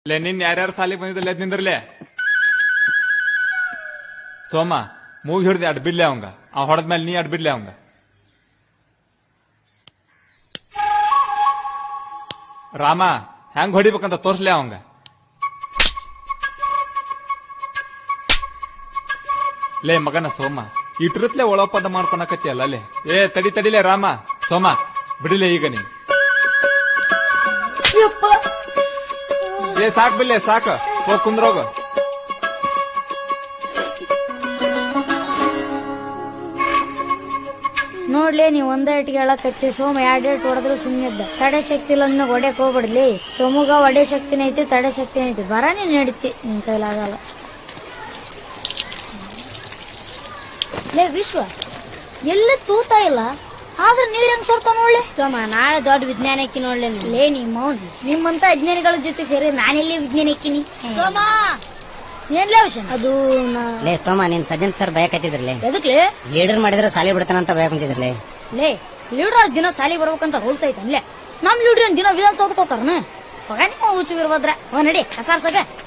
ಲೇ ನಿನ್ ಯಾರ್ಯಾರು ಸಾಲಿಗೆ ಬಂದಿದ್ದಲ್ಲ ನಿಂದ್ರಲೆ ಸೋಮ ಮೂಗಿ ಹಿಡ್ದು ಅಡ್ಬಿಡ್ಲೆ ಅವಂಗ ಆ ಹೊಡೆದ್ಮೇಲೆ ನೀ ಅಡ್ಬಿಡ್ಲೆ ಅವಂಗ ರಾಮ ಹೆಂಗ್ ಹೊಡಿಬೇಕಂತ ತೋರ್ಸ್ಲೆ ಅವಂಗ ಲೇ ಮಗನ ಸೋಮ ಇಟ್ರತ್ಲೆ ಒಳಪದ ಮಾಡ್ಕೊಳಕತ್ತಿಯಲ್ಲ ಲೇ ತಡಿಲೆ ರಾಮ ಸೋಮ ಬಿಡಿಲೆ ಈಗ ನೀ ಸಾಕ್ ಬಿಡ್ಲೆ ಸಾಕ ಹೋಗ್ ಕುಂದ್ರೋಗ ನೋಡ್ಲಿ ನೀವ್ ಒಂದೇ ಇಟ್ಟಿಗೆ ಹೇಳಕತ್ತಿ ಸೋಮ ಎರಡೇಟ್ ಹೊಡೆದ್ರೆ ಸುಮ್ಮನಿದ್ದ ತಡೆ ಶಕ್ತಿ ಇಲ್ಲ ನಿನ್ನ ಒಡೆಕ್ ಹೋಗ್ಬಿಡ್ಲಿ ಸೋಮುಗ ಒಡೆ ಶಕ್ತಿನ ಐತಿ ತಡೆ ಶಕ್ತಿ ಐತಿ ಬರ ನೀನ್ ನಡೀತಿ ನಿನ್ ಕೈಲಾಗಲ್ಲ ಲೇ ವಿಶ್ವ ಎಲ್ಲ ತೂತ ಇಲ್ಲ ಆದ್ರೆ ನೀರ್ ಹೆಂಗ್ ಸೋರ್ತ ನೋಡ್ಲಿ ಸೋಮ ನಾಳೆ ದೊಡ್ಡ ವಿಜ್ಞಾನಕ್ಕೆ ನೋಡ್ಲಿ ಲೇ ನಿಮ್ಮ ನಿಮ್ಮಂತ ಅಜ್ಞಾನಿಗಳ ಜೊತೆ ಸೇರಿ ನಾನೆಲ್ಲಿ ವಿಜ್ಞಾನಕ್ಕಿನಿ ಸೋಮ ಏನ್ಲೇ ವಿಷಯ ಅದು ಲೇ ಸೋಮ ನೀನ್ ಸಜ್ಜನ್ ಸರ್ ಭಯಕತ್ತಿದ್ರಲೇ ಎದಕ್ಲೆ ಲೀಡರ್ ಮಾಡಿದ್ರೆ ಸಾಲಿ ಬಿಡ್ತಾನಂತ ಭಯ ಕುಂತಿದ್ರಲೇ ಲೇ ಲೀಡರ್ ದಿನ ಸಾಲಿ ಬರ್ಬೇಕಂತ ರೂಲ್ಸ್ ಐತನ್ಲೇ ನಮ್ ಲೀಡರ್ ದಿನ ವಿಧಾನಸೌಧಕ್ಕೆ ಹೋಗ್ತಾರನ ಹೋಗ ನಿಮ್ಮ ಹುಚ್ಚುಗಿರ್ಬದ್ರ ನಡಿ ಕಸಾರ್ಸಗ